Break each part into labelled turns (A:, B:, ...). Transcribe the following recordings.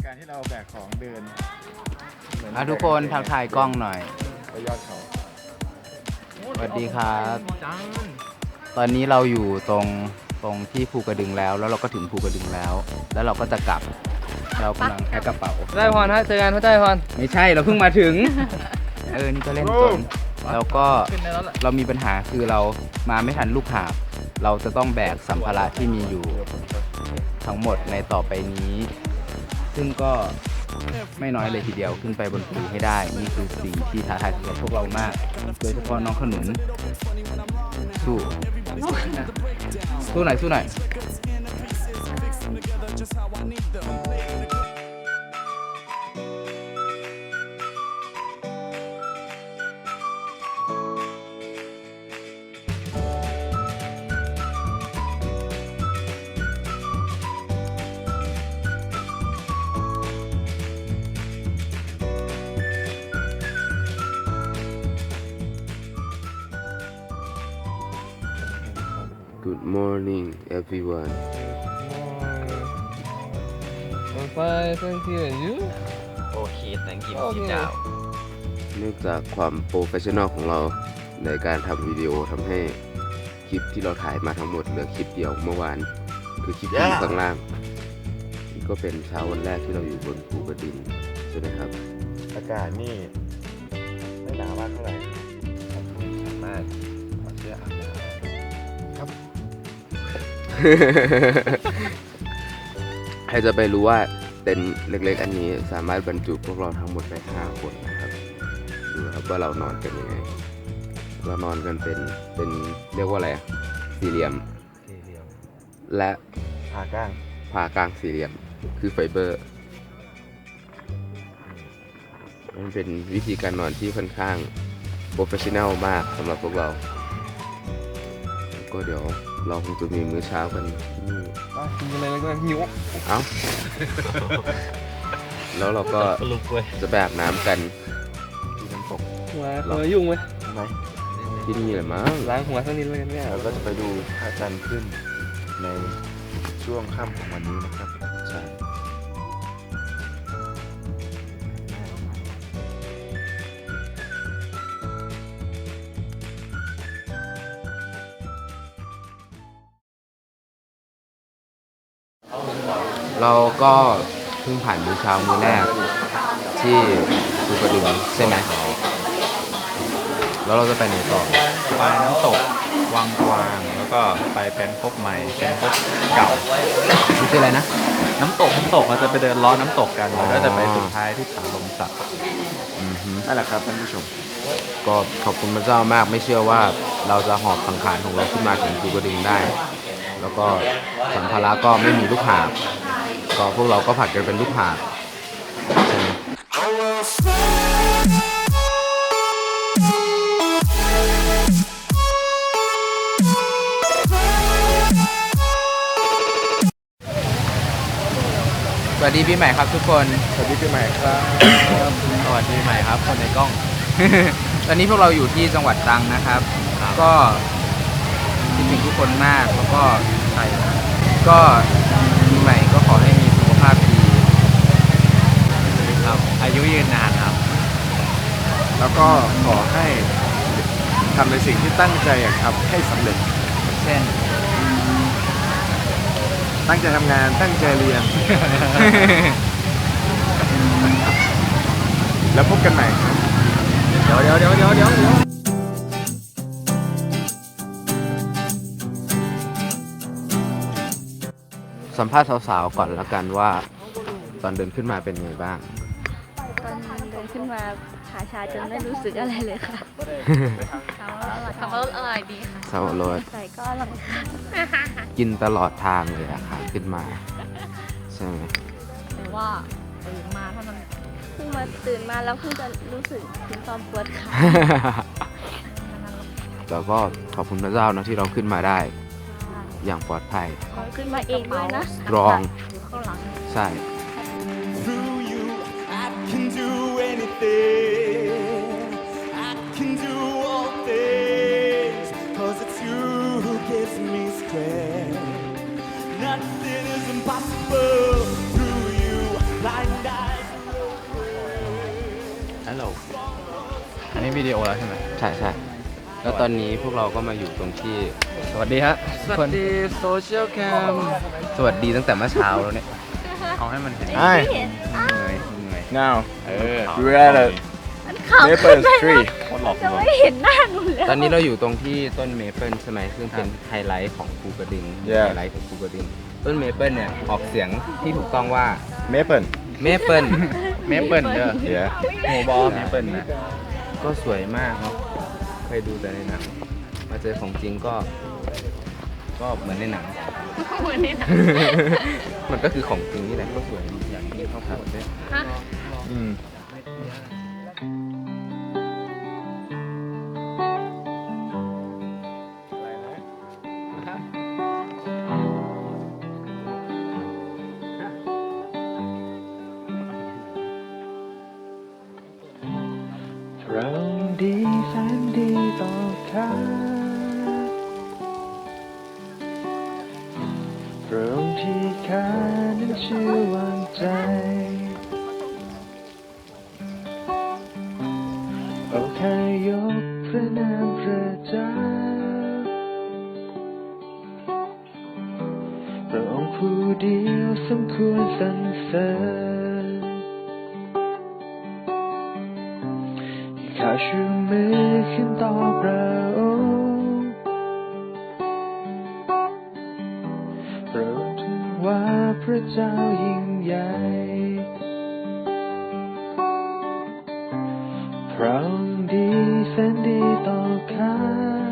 A: การที่เราแบกของเดิน
B: ทุกคนทักทายกล้องหน่อย
A: ไปยอดเขา
B: สวัสดีครับตอนนี้เราอยู่ตรงที่ภูกระดึงแล้วเราก็ถึงภูกระดึงแล้วเราก็จะกลับเรากำลังแพ็คกระเป๋า
C: ได้พรฮะเจอกันพระเจ้าพร
B: ไม่ใช่เราเพิ่งมาถึงนี่ก็เล่นจนแล้วก็เรามีปัญหาคือเรามาไม่ทันลูกหาบเราจะต้องแบกสัมภาระที่มีอยู่ทั้งหมดในต่อไปนี้ ซึ่งก็ไม่น้อยเลยทีเดียวขึ้นไปบนภูให้ได้นี่คือสิ่งที่ท้าทายสำหรับพวกเรามากโดยเฉพาะน้องขนุนสู้หน่อยสู้หน่อย
D: Good morning, everyone.
C: I'm fine, thank you. And you?
E: Okay, thank you.
C: Okay.
E: Sit down.
D: เนื่องจากความโปรเฟชชั่นอลของเราในการทำวิดีโอทำให้คลิปที่เราถ่ายมาทั้งหมดเหลือคลิปเดียวเมื่อวานคือคลิปที่อยู่ข้างล่างนี่ก็เป็นเช้าวันแรกที่เราอยู่บนภูกระดึงใช่ไหมครับ
A: อากาศนี่ไม่หนาวมากเท่าไหร่สามารถถอดเสื้ออาบน้ำครับ
D: ให้จะไปรู้ว่าเต็นท์เล็กๆอันนี้สามารถบรรจุพวกเราทั้งหมดได้5 คนนะครับดูครับว่าเรานอนกันยังไงเรานอนกันเป็นเรียกว่าอะไรสี่เหลี่ยมและ
A: ผ่ากลาง
D: สี่เหลี่ยมคือไฟเบอร์มันเป็นวิธีการนอนที่ค่อนข้างโปรเฟชชั่นแนลมากสำหรับพวกเราก็เดี๋ยวเราคงจะมีมื้อเช้ากันนี่
C: กินอะไรแล้วก็หิว
D: เอ้า แล้วเราก็จะไปอาบน้ำกันที่น้ำตก
C: มายุ่งไหม
A: ไหม
D: ที่นี่แหละมั้ง
C: ล้างหัวสักนิดแล้วกันเนี่ย
A: เราก็จะไปดูพระจันทร์ขึ้นในช่วงค่ำของวันนี้นะครับ
D: ใช่เราก็เพิ่งผ่านมื้อเช้ามื้อแรกที่ภูกระดึงใช่ไหมแล้วเราจะไปไหนต่อ
F: ไปน้ำตกวังกวางแล้วก็ไปเป็นพบใหม่เป็นพบเก่า
D: นี่คืออะไรนะ
F: น้ำตกเราจะไปเดินล้อน้ำตกกันแล้วก็จะไปสุดท้ายที่ผาลมสัก
A: นั่นแหละครับท่านผู้ชม
D: ก็ขอบคุณพระเจ้ามากไม่เชื่อว่าเราจะหอบสังขารของเราขึ้นมาถึงภูกระดึงได้ แล้วก็สัมภาระก็ไม่มีลูกหาบก็พวกเราก็ผัดกันเป็นลูกหาบใช่ไหม
B: สวัสดีปีใหม่ครับทุกคน
A: สวัสดีปีใหม่ครับ
B: สวัสดีใหม่ครับคนในกล้อง ตอนนี้พวกเราอยู่ที่จังหวัดตรังนะครับ ก็คิดถึงทุกคนมากแล้วก็ใช่ก็ปีใหม่ก็ขอให้มีสุขภาพดี
F: ครับอายุยืนนานครับ
A: แล้วก็ขอให้ทำในสิ่งที่ตั้งใจอยากทำให้สำเร็จ
B: เช่น
A: ตั้งใจทำงานตั้งใจเรียน แล้วพบกันใหม่ครับ
C: เดี๋ยว
D: สัมภาษณ์สาวๆก่อนละกันว่าตอนเดินขึ้นมาเป็นไงบ้าง
G: ตอนเดินขึ้นมาขาชาจนไม่รู้สึกอะไรเลยค่ะขับรถอร่อยดีค่ะ
D: สาวรถ
G: ใส่ก็อร่อยค่ะ
D: กินตลอดทางเลยอะค่ะขึ้นมาใช่ไหม
G: แต่ว่าตื่นมาเท่านั้นเพิ่งมาตื่นมาแล้วเพิ่งจะรู้สึกถึงตอนปวดขา
D: แต่ก็ขอบคุณพระเจ้านะที่เราขึ้นมาได้อย่างปลอดภัย
G: ขอขึ้นมาเองด้วยนะ
D: strong
G: อยู่ข้างหลัง
D: ใช่
H: Through you, I can do anything. I can do all things. 'Cause it's you who gives me strength. Nothing is impossible. Through you, life
F: อันนี้วิดีโอแล้วใช่ไหม
D: ใช่ใช่แล้วตอนนี้พวกเราก็มาอยู่ตรงที่
F: สวัสดีฮะ
C: สวัสดีโซเชียลแคม
D: สวัสดีตั้งแต่เมื่อเช้าแล้วเนี่ย
F: เอาให้มันเห็น
G: ไม่เห็น
D: เหนื่อยเหนื่อย
A: now
F: ดูได้เลย
G: มันขาวขึ้นไปนะ
F: โคตรหลอก
G: จะไม่เห็นหน้าหนูแล้ว
D: ตอนนี้เราอยู่ตรงที่ต้นเมเปิลใช่ไหมซึ่งเป็นไฮไลท์ของภูกระดึง
A: Yeah
D: ไฮไลท์ของภูกระดึงต้นเมเปิลเนี่ยออกเสียงที่ถูกต้องว่า
A: maple
D: เมเปิล
F: เมเปิลเด้อ
A: yeah
F: โมบอลเมเปิลนะ
D: ก็สวยมากเนาะเคยดูแต่ในหนังมาเจอของจริงก็เหมือนในหนัง
G: เหมือนนี่นะ
D: มันก็คือของจริงนี่แหละก็สวยอย่างที่เขาพูดด้วย
G: ฮะ
A: อืม
H: เราดีแสนดีต่อกันตรงที่ข้านั้นชื่อวางใจโอ้แค่ยกพระนามพระเจ้าพระองค์ผู้เดียวสมควรสรรเสริญข้าชูมือขึ้นต่อพระองค์พระองค์ถือว่าพระเจ้ายิ่งใหญ่พระองค์ดีแสนดีต่อข้า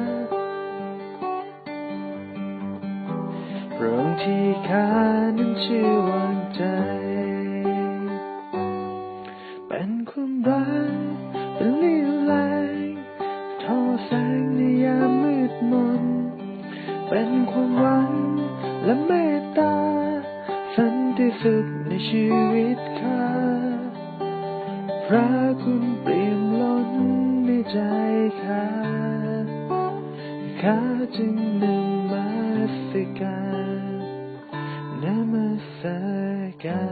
H: พระองค์ที่ข้านั้นเชื่อวางใจเป็นความรักเป็นเลี้ยวแรงทอแสงในยามมืดมนเป็นความหวังและเมตตาสันติสุขในชีวิตข้าพระคุณเปี่ยมล้นในใจข้าจึงนมัสการ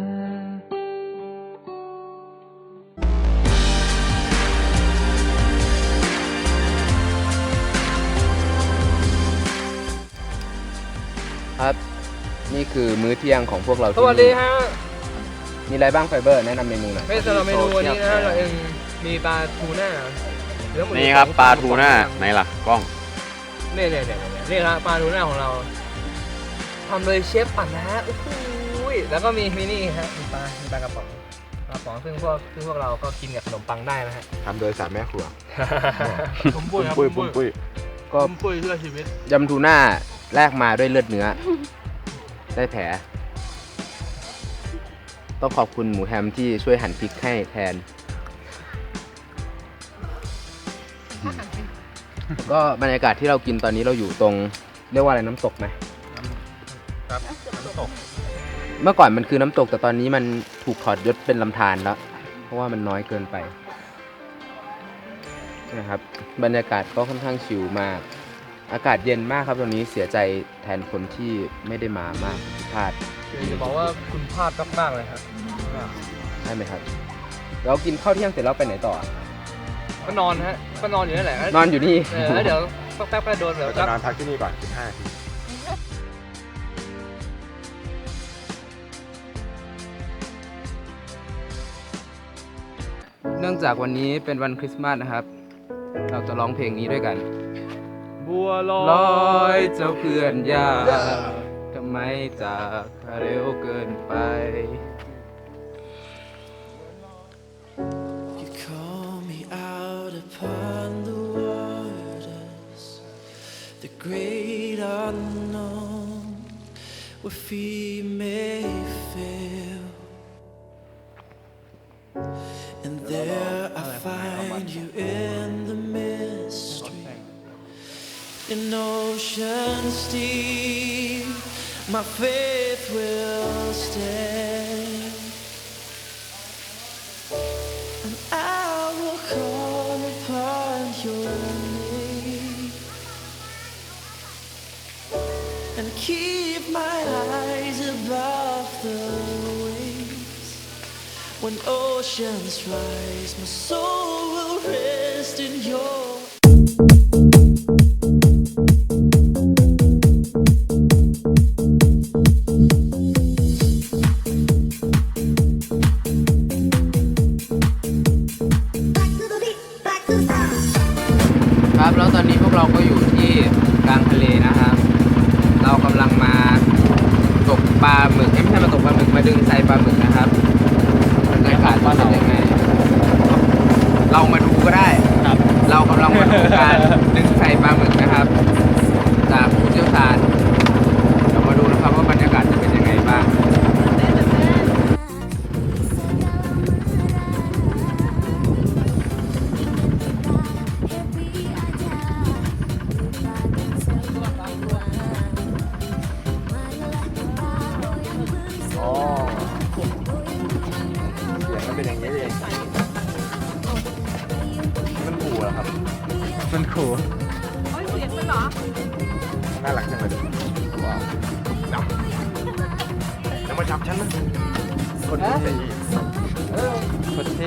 D: ครับ นี่คือมื้อเที่ยงของพวกเรา
C: ส
D: ที่
C: วัสดีฮะ
D: มีอะไรบ้างไฟเบอร์แนะนำเมนูหน่อย
C: ไม่สำหรับเมนูวันนี้นะเราเองมีปลาทูน่าเนื้อหมู
F: นี่ครับปลาทูน่าไหนล่ะกล้อง
C: นี่ครับปลาทูน่าของเราทำโดยเชฟปั่นนะฮะโอ้โหแล้วก็มีนี่ฮะมีปลากระป๋องซึ่งพวกเราก็กินกับขนมปังได้นะฮะ
A: ทำโดยสามแม่ครัว
C: ผมปุ้ยครับ
A: ปุ้ย
D: ก็
C: ผมปุ้ยเพื่อชีวิต
D: ยำทูน่าแลกมาด้วยเลือดเนื้อ ได้แผล ต้องขอบคุณหมูแฮมที่ช่วยหั่นพริกให้แทน ก็บรรยากาศที่เรากินตอนนี้เราอยู่ตรงเรียกว่าอะไรน้ำตกไหม
F: ครับน้ำตก
D: เมื่อก่อนมันคือน้ำตกแต่ตอนนี้มันถูกถอดยศเป็นลำธารแล้ว เพราะว่ามันน้อยเกินไปนะครับบรรยากาศก็ค่อนข้างชิลมาก อากาศเย็นมากครับตอนนี้เสียใจแทนคนที่ไม่ได้มามากที่พลาด
C: จะบอกว่าคุณพลาดมากๆเลยครับ
D: ใช่ไหมครับ เรากินข้าวเที่ยงเสร็จแล้วไปไหนต่อ
C: ก็นอนฮะก็นอนอยู่นั่นแหละ
D: นอนอยู่นี่
C: แล้วเดี๋ยวสักแป๊บก็โดน
A: เราจะนอนพักที่นี่ก่อน15 นาที
B: เนื่องจากวันนี้เป็นวันคริสต์มาสนะครับ เราจะร้องเพลงนี้ด้วยกัน
C: บัวล
B: ล
C: อ
B: อย ยเจ้าเพื่อนยากทำไมจากเร็วเกินไป
H: You call me out upon the waters, the great unknown, where feet may fail. And there I find you in the mystery, in oceans deep, my faith will stand. And I will call upon your name and keep my eyes above the waves. When oceans rise, my soul will rest in
B: ครับแล้วตอนนี้พวกเราก็อยู่ที่กลางทะเลนะครับ เรากำลังมาตกปลาหมึกไม่ใช่มาตกปลาหมึกมาดึงไซปลาหมึกนะครับบรรยากาศว่าเป็นยังไงเรามาดูก็ได้ครับเรากำลังมาดูการดึงไซปลาหมึกนะครับจากผู้เชี่ยวชาญเรามาดูนะครับว่าบรรยากาศจะเป็นยังไงบ้าง
A: อ๋อเสียงมันเป็นอย่างนี้เองมันขู่เหรอครับ
B: มันขู่
A: น่ารักจังเลยว้าวจะมาจับฉันนะคนที่สี่
B: คนเท่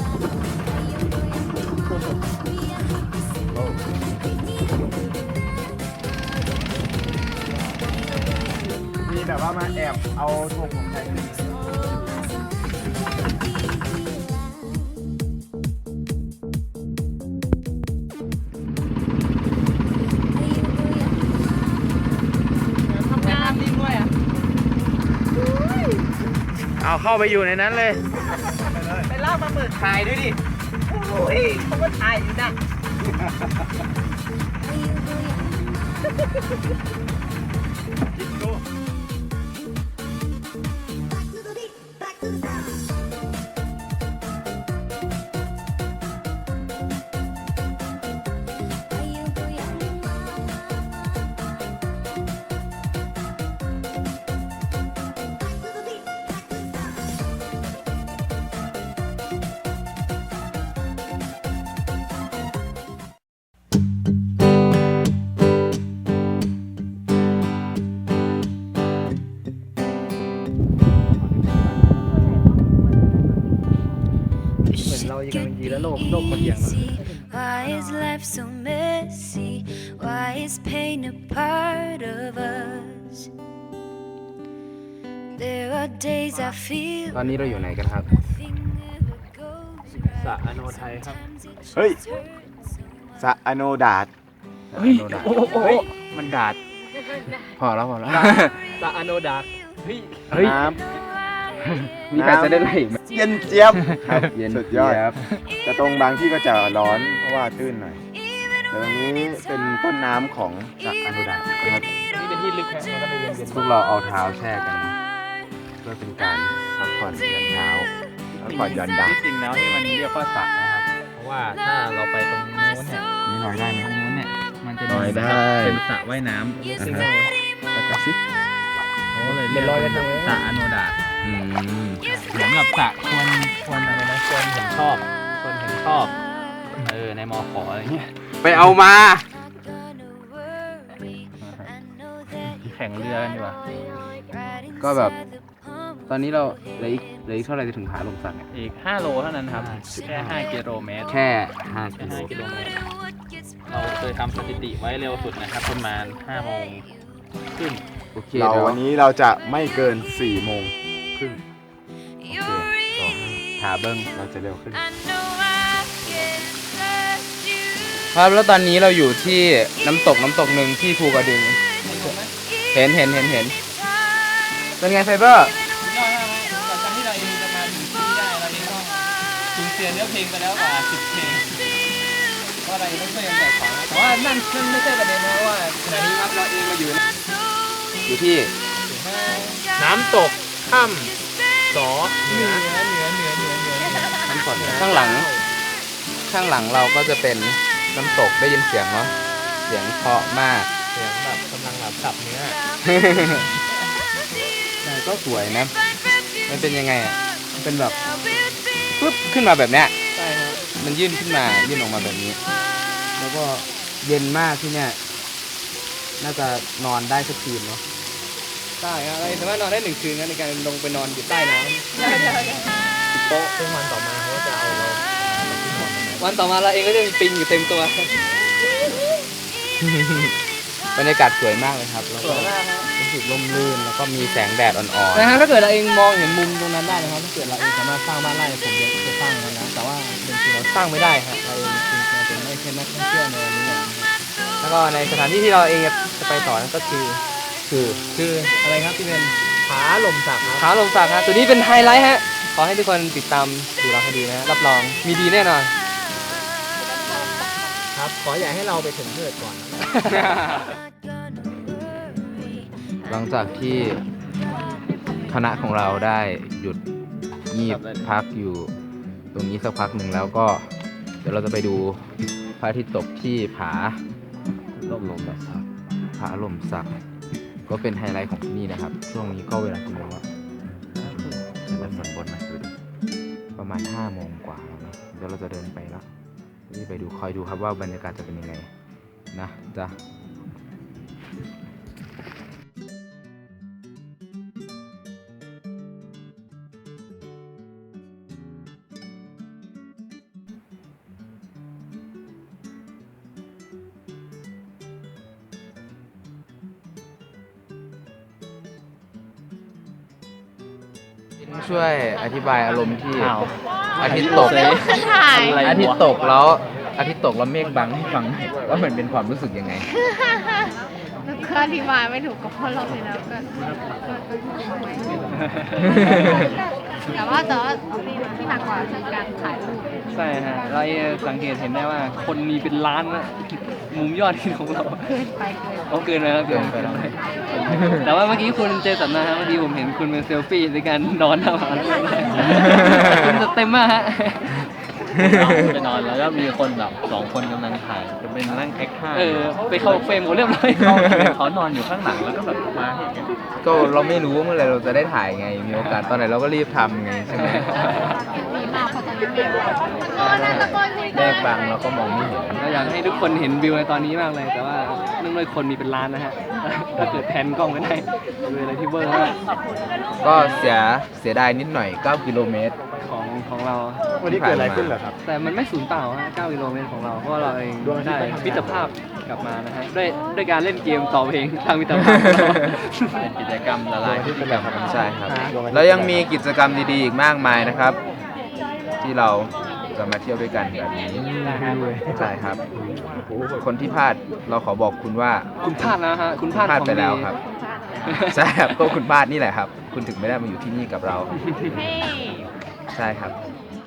A: มีแบบว่ามาแอบเอาธงของไทยขึ้นเอาเข้าไปอยู่ในนั้นเลย
C: ไปล่าปลาหมึกถ่ายด้วยดิ โอ้ยเขาก็ถ่ายอยู่นะ เหมือนเรายังยืนแล้วโลกมันเอียงนะ
I: Why is life so messy? Why is pain a part of us? There are days I feel
B: ตอนนี้เราอยู่ไหนกันครับ
I: nothing ever goes
C: สระอโนไทยครับ
A: เฮ้ย สะอโนดาด
B: เฮ้ยมันดาด พอแล้ว
C: สระอโนดาเฮ้ย
B: เฮ้ย
A: น้
B: มีใครจะได้ไหมอีกไหม
A: ำเย็นเจี๊ยบครับ
B: เย็น
A: สุดยอด
B: เจี๊ยบ
A: แต่ตรงบางที่ก็จะร้อนเพราะว่าตื้นหน่อยแต่ตรงนี้เป็นต้นน้ำของสระอโนดาดนะครับ
C: นี่เป็นที่ลึกนะมันก็เลยเย็น
B: พวกเราเอาเท้าแช่กันเพื่อเป็นการพักผ่อนหย่อนเท้าพักผ่อนหย่อนดา
F: ที่จริงแล้วนี่มันเรียกว่าสระนะครับ
C: เพราะว่าถ้าเราไปตรงนู้นเนี่ย
B: นี่ลอยได้ไหม
F: ตรงนู้นเนี่ยมันจะ
B: ลอยได้
F: เป็นสระว่ายน้
C: ซิงเกิล
B: แล้วก็สิ
F: ำเขาเลย
C: เป็
F: เรีย
C: น
F: ก
C: รอย
F: ว่าก
C: ระทง
F: สระอโนดาต
B: อืม
F: เหมือนกับสระควรอะไรนะควรเห็นชอบควรเห็นชอบในมขอะไรเงี้ย
B: ไปเอามา
F: แข่งเรือกันดีกว่า
B: ก็แบบ ตอนนี้เราเหลืออีกเท่าไหร่จะถึงผาลมสักเนี่ย
F: อีก 5 โลเท่านั้นครับ แค่ 5 กิโลเมตร
B: แค่5
F: แค่
B: กิโล
F: 5 กิโลเมตร เราเคยทำสถิติไว้เร็วสุดนะครับ ประมาณ 5 โมงครึ่ง
B: โอเค
A: เรา
B: เดี๋ยว
A: วันนี้เราจะไม่เกิน4 โมงครึ่ง
B: หาเบิ้ง
A: เราจะเร็วขึ้น
B: ครับแล้วตอนนี้เราอยู่ที่น้ำตกหนึ่งที่ภูกระดึง เห็นเป็นไงไฟเบอร์
F: สุดยอดมากครับจากการที่เราเองจะมาถึงที่นี่ได้เราเองต้องสูญเสียเนื้อเพลงไปแล้วกว่า 10 เพลงเพราะอะไรต้องช่วยกันแบกของนะแต่ว่านั่นไม่ใช่ประเด็นนะเพราะว่าขณะนี้ครับเราเองมาอยู่
B: อยู่ที่
C: น้ำตกถ้ำสอเหนือ
B: ข้างหลังเราก็จะเป็นน้ำตกได้ยินเสียงเนาะเสียงเพราะมาก
C: เสียงแบบกำลังแบบสับเนื้อ
B: แต่ก็สวยนะ มันเป็นยังไงอ่ะมันเป็นแบบปึ๊บขึ้นมาแบบเนี้ย
C: ใช่ครับ
B: มันยื่นขึ้นมายื่นออกมาแบบนี้ แล้วก็เย็นมากที่เนี่ยน่าจะนอนได้สักคืนเนาะ
C: ได้ครับเราสามารถนอนได้1 คืนนะในการลงไปนอนอยู่ใต้น้ำโต๊ะซึ่งวันต่อมาเขาก็จะเอาเราที่นอนวันต่อมาเราเองก็จะมีปิงอยู่เต็มตัว
B: บรรยากาศสวยมากเลยครับแล้ว
C: ส
B: ก็
C: วยมากครับ
B: รู้สึกร่มรื่นแล้วก็มีแสงแดดอ่อน
C: นะฮะถ้าเกิดเราเองมองเห็นมุมตรงนั้นได้นะครับถ้าเกิดเราเองสามารถสร้างบ้านไร่ผมจะสร้างอย่างนั้นนะแต่ว่าจริงๆเราสร้างไม่ได้ครับเราเองจริงๆเราเป็นไม่ใช่นักท่องเที่ยวในนี้แล้วก็ในสถานที่ที่เราเองจะไปต่อนั่นก็คืออะไรครับที่เป็นผาลมสักครับผาลมสักครับตัวนี้เป็นไฮไลท์ฮะขอให้ทุกคนติดตามดูเราให้ดีนะรับรองมีดีแน่นอนครับขออย่าให้เราไปถึงเพื่อก่อน
B: หลังจากที่คณะของเราได้หยุดงีบพักอยู่ตรงนี้สักพักหนึ่งแล้วก็เดี๋ยวเราจะไปดูพระอาทิตย์ตกที่ผาลมสักก็เป็นไฮไลท์ของที่นี่นะครับช่วงนี้ก็เวลากี่โมงแล้วประมาณ5 โมงกว่าแล้วนะเดี๋ยวเราจะเดินไปแล้วนี่ไปดูคอยดูครับว่าบรรยากาศจะเป็นยังไงนะจ๊ะช่วยอธิบายอารมณ์ที่อาทิตย์ตกแล้วอาทิตย์ตกแล้วเมฆบังให้ฟังว่ามันเป็นความรู้สึกยังไง
G: แล้วก็อธิบายไม่ถูกก็เพราะเราไปแล้วก็แต่ว่าที่หนักกว่าคือการถ่ายรูป
F: ใช่ฮะเราสังเกตเห็นได้ว่าคนมีเป็นล้านนะมุมยอดที่ของเราเกินไปแล้วเกินไปแล้วแต่ว่าเมื่อกี้คุณเจสันนะฮะเมื่อกี้ผมเห็นคุณเป็นเซลฟี่ในการนอนทำอาหารคุณจะเต็มมากฮะไปนอนแล้วก็มีคนแบบ2 คนกำลังถ่ายจะเป็นนั่งแอคท่าไปเข้าเฟรมหมดเรียบร้อยเขานอนอยู่ข้างหลังแล้วก็แบบมาให้
B: ก็เราไม่รู้เมื่อไหร่เราจะได้ถ่ายไงมีโอกาสตอนไหนเราก็รีบทำไงใช่ไหม
G: มีมากพอตอนนี้
B: แยกบางเราก็มองไม่เห็น
F: เราอยากให้ทุกคนเห็นวิวในตอนนี้มากเลยแต่ว่าเนื่องด้วยคนมีเป็นล้านนะฮะถ้าเกิดแพนกล้องไม่ได้เป็นอะไรที่เบอร์
B: ก็เสียดายนิดหน่อย9 กิโลเมตร
F: ของเรา
A: วันนี้เกิดอะไรขึ้นเหรอครับ
F: แต่มันไม่สูญเปล่าฮะ9 กิโลเมตรของเราเพราะว่าเราเองได้มิตรภาพกลับมานะฮะด้วยการเล่นเกมต่อเพลงทางมิตรภาพเป็นกิจกรรมละลายพฤติกรรม
B: ใช่ครับแล้วยังมีกิจกรรมดีๆอีกมากมายนะครับที่เราจะมาเที่ยวด้วยกันแบบนี้ใช่ครับคนที่พลาดเราขอบอกคุณว่า
F: คุณพลาดนะฮะคุณพลาด
B: ไปแล้วครับใช่ครับก็คุณพลาดนี่แหละครับคุณถึงไม่ได้มาอยู่ที่นี่กับเราใช่ครับ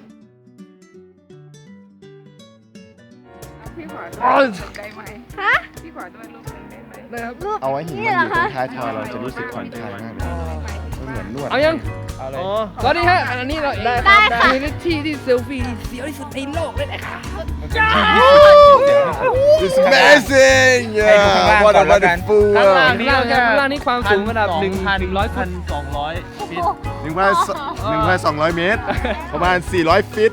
G: พี่ขอด้วยรูปไกลไหมฮะพี่ขอด้วยรูปได้ไหม
A: เอาไว้หินมันอยู่ตรงท้ายทอยเราจะรู้สึกผ่อนคลายมากเลยมันเหมือนนวด
F: เอายังอ๋อสวัสดีฮะอันนี้เรา
G: ได้ค่ะ
F: เป็นที่เซลฟี่เสียวที่สุดในโลกเลยนะคะ
A: It's amazing What a wonderful
F: ข้างล่างนี่ความสูงระดับ1,100 ฟุต200 ฟิต
A: 1,200 เมตรประมาณ400 ฟิต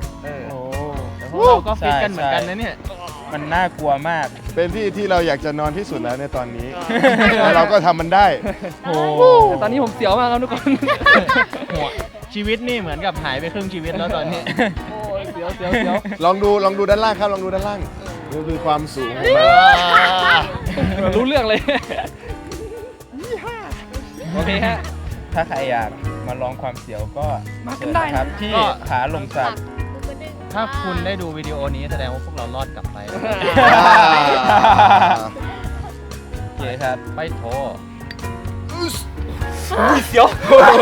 F: เราก็ฟิตกันเหมือนกันนะเนี่ย
B: มันน่ากลัวมาก
A: เป็นที่เราอยากจะนอนที่สุดแล้วในตอนนี้แล้วเราก็ทำมันได้
F: แต่ตอนนี้ผมเสียวมากครับทุกคนชีวิตนี่เหมือนกับหายไปครึ่งชีวิตแล้วตอนนี้เสียว
A: ลองดูด้านล่างครับลองดูด้านล่างนี่คือความสูง
F: รู้เรื่องเลยโอเคฮะ
B: ถ้าใครอยากมาลองความเสียวก็
F: มากันได้
B: ครับที่ผาลมสัก
F: ถ้าคุณได้ดูวิดีโอนี้แสดงว่าพวกเรารอดกลับไป
B: โอเคครับ
F: ไปโทรเสียว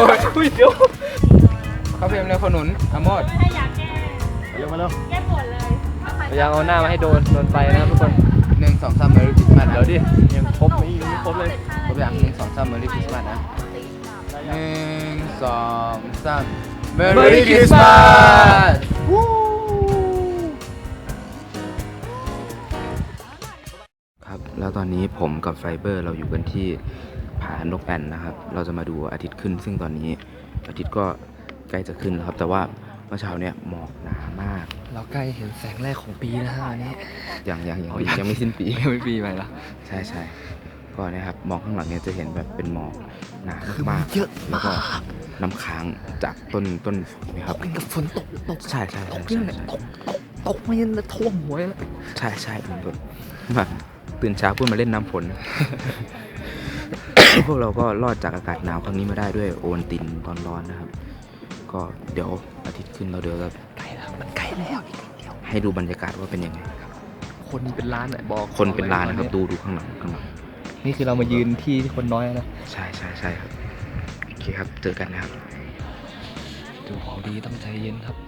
B: เขาเพียงเร็วขนุนอโมด
A: เร็วมาแล้ว
G: แก้ปวดเลย
F: พยายามเอาหน้ามาให้โดนไปนะครับทุกคน
B: 1 2 3 Merry Christmas
F: เดี๋ยวดิยังครบไม่ครบเลย
B: ครบอย่าง1 2 3 Merry Christmas นะ1 2 3 Merry Christmasครับแล้วตอนนี้ผมกับไฟเบอร์เราอยู่กันที่ผานกแอ่นนะครับเราจะมาดูอาทิตย์ขึ้นซึ่งตอนนี้อาทิตย์ก็ใกล้จะขึ้นแล้วครับแต่ว่าเมื่อเช้าเนี่ยหมอกหนามาก
F: เราใกล้เห็นแสงแรกของปีนะฮะวันนี้
B: ยังไม่สิ้นปี
F: ไม่ปีไปแล้ว
B: ใช่ก็นะครับมองข้างหลังเนี่ยจะเห็นแบบเป็นหมอกหนามากเยอะแล้วก็น้ำค้างจากต้นนะครับ
F: เป็นกับฝนตก
B: ใช่
F: ตกมายันท่วมหัวแล้ว
B: ใช่เป็นแบบตื่นเช้าเพื่อมาเล่นน้ำฝน พวกเราก็รอดจากอากาศหนาวครั้งนี้มาได้ด้วยโอวัลตินตอนร้อนนะครับก็เดี๋ยวอาทิตย์ขึ้นเราเดี๋ยวจะ
F: ใกล้แล้วมันใกล้แล้วอีกนิดเดียว
B: ให้ดูบรรยากาศว่าเป็นยังไง
F: คน
C: คนเป็นล้านอ่ะบอก
B: คนเป็นล้านนะครับดูข้างหลังข้างหลัง
C: นี่คือเรามายืนที่คนน้อยนะ
B: ใช่ครับโอเคครับเจอกันนะครับ
C: ดูของดีต้องใจเย็นครับ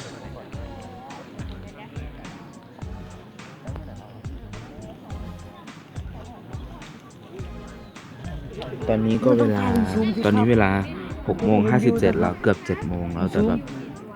B: ตอนนี้เวลา6:57แล้วเกือบ7 โมงแล้วแต่แบบ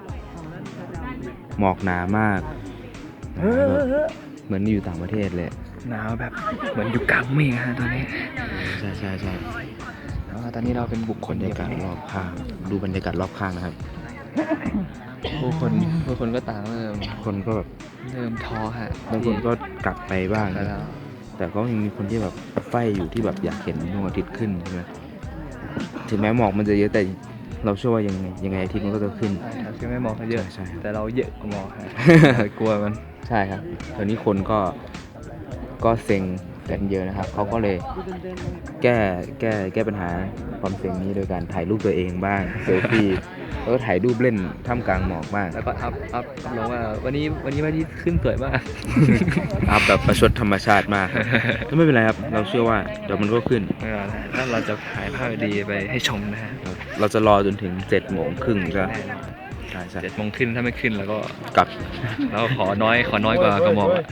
B: หมอกหนามากแบบเหมือนอยู่ต่างประเทศเลย
C: หนาวแบบเหมือนอยู่กลางเมฆฮะตอนนี้
B: ใช่
C: แต่ว่าตอนนี้เราเป็นบุคคล
B: บรรยากาศรอบข้างดูบรรยากาศรอบข้างนะครับ
C: ผู้คนก็ต่างเริ่ม
B: คนก็แบบ
C: ท้อฮะ
B: บางคนก็กลับไปบ้าง
C: แล้ว
B: แต่ก็ยังมีคนที่แบบไฟอยู่ที่แบบอยากเห็นดวงอาทิตย์ขึ้นใช่ไหมถึงแม้หมอกมันจะเยอะแต่เราเชื่อว่ายังไงอาทิตย์มันก็จะขึ้น
C: ใช่ครับคือไม่มองเขาเยอะ
B: ใช่
C: แต่เราเยอะกว่ามองฮะ กลัวมัน
B: ใช่ครับตอนนี้คนก็เซ็งกันเยอะนะครับเขาก็เลยแก้ปัญหาความเซ็งนี้โดยการถ่ายรูปตัวเองบ้างเซลฟี่แล้วก็ถ่ายรูปเล่นท่ามกลางหมอกบ้าง
C: แล้วก็อัพลงว่าวันนี้พระอาทิตย์ขึ้นสวยมาก
B: อัพแบบประชดธรรมชาติมากครับก็ไม่เป็นไรครับเราเชื่อว่าเดี๋ยวมันก็ขึ้น
C: ถ้าเราจะถ่ายภาพดีไปให้ชมนะฮะ
B: เราจะรอจนถึง7:30ก็ใช่
C: 7 โมงขึ้นถ้าไม่ขึ้นแล้วก็
B: กลับ
C: เราขอน้อยกว่ากระหม่อมอะ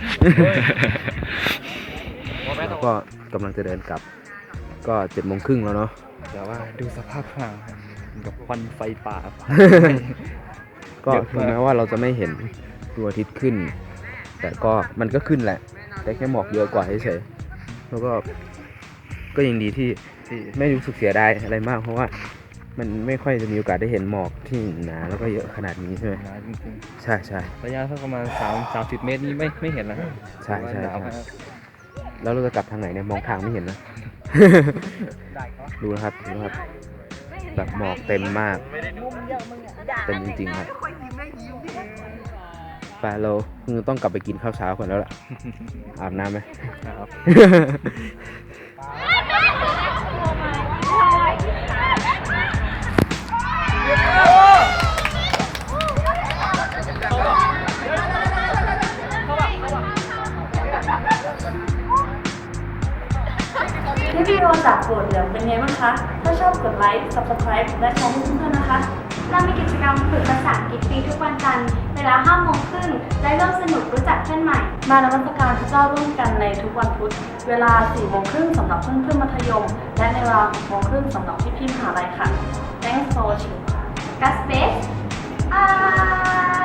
B: แล้วก็กำลังจะเดินกลับก็7:30แล้วเนาะ
C: แต่ว่าดูสภาพข้างครับกับควันไฟป่า
B: ก็ถึงแม้ว่าเราจะไม่เห็นดวงอาทิตย์ขึ้น แต่ก็มันก็ขึ้นแหละ แต่แค่หมอกเยอะกว่าเฉยๆแล้วก็ยังดีที่ไม่รู้สึกเสียดายอะไรมากเพราะว่ามันไม่ค่อยจะมีโอกาสได้เห็นหมอกที่หนาแล้วก็เยอะขนาดนี้ใช่ไหม
C: หนาจริง
B: ใช่
C: ๆระยะสักประมาณ30 เมตรนี่ไม่เห็นแล้ว
B: ใช่
C: หนาวมาก
B: แล้วเราจะกลับทางไหนเนี่ยมองทางไม่เห็นนะ ดูนะครับแบบหมอกเต็มมากเต็มจริงๆครับไปเราคือต้องกลับไปกินข้าวเช้าก่อนแล้วล่ะ อาบน้ำไหม
C: ครับ
G: วิดีโอจากโปรดเหลืองเป็นไงบ้างคะ ถ้าชอบกดไลค์ subscribe และแชร์ให้เพื่อนๆนะคะ
I: เรามีกิจกรรมฝึกภาษาอังกฤษฟรีทุกวันจันทร์เวลา 5:30 นและร่วมสนุกรู้จักเพื่อนใหม่
G: มานมัสการพระเจ้าร่วมกันในทุกวันพุธ เวลา 4:30 นสำหรับเพื่อนๆมัธยม และในเวลา 6:30 นสำหรับพี่ๆมหาลัยค่ะ Thanks for watching
I: God bless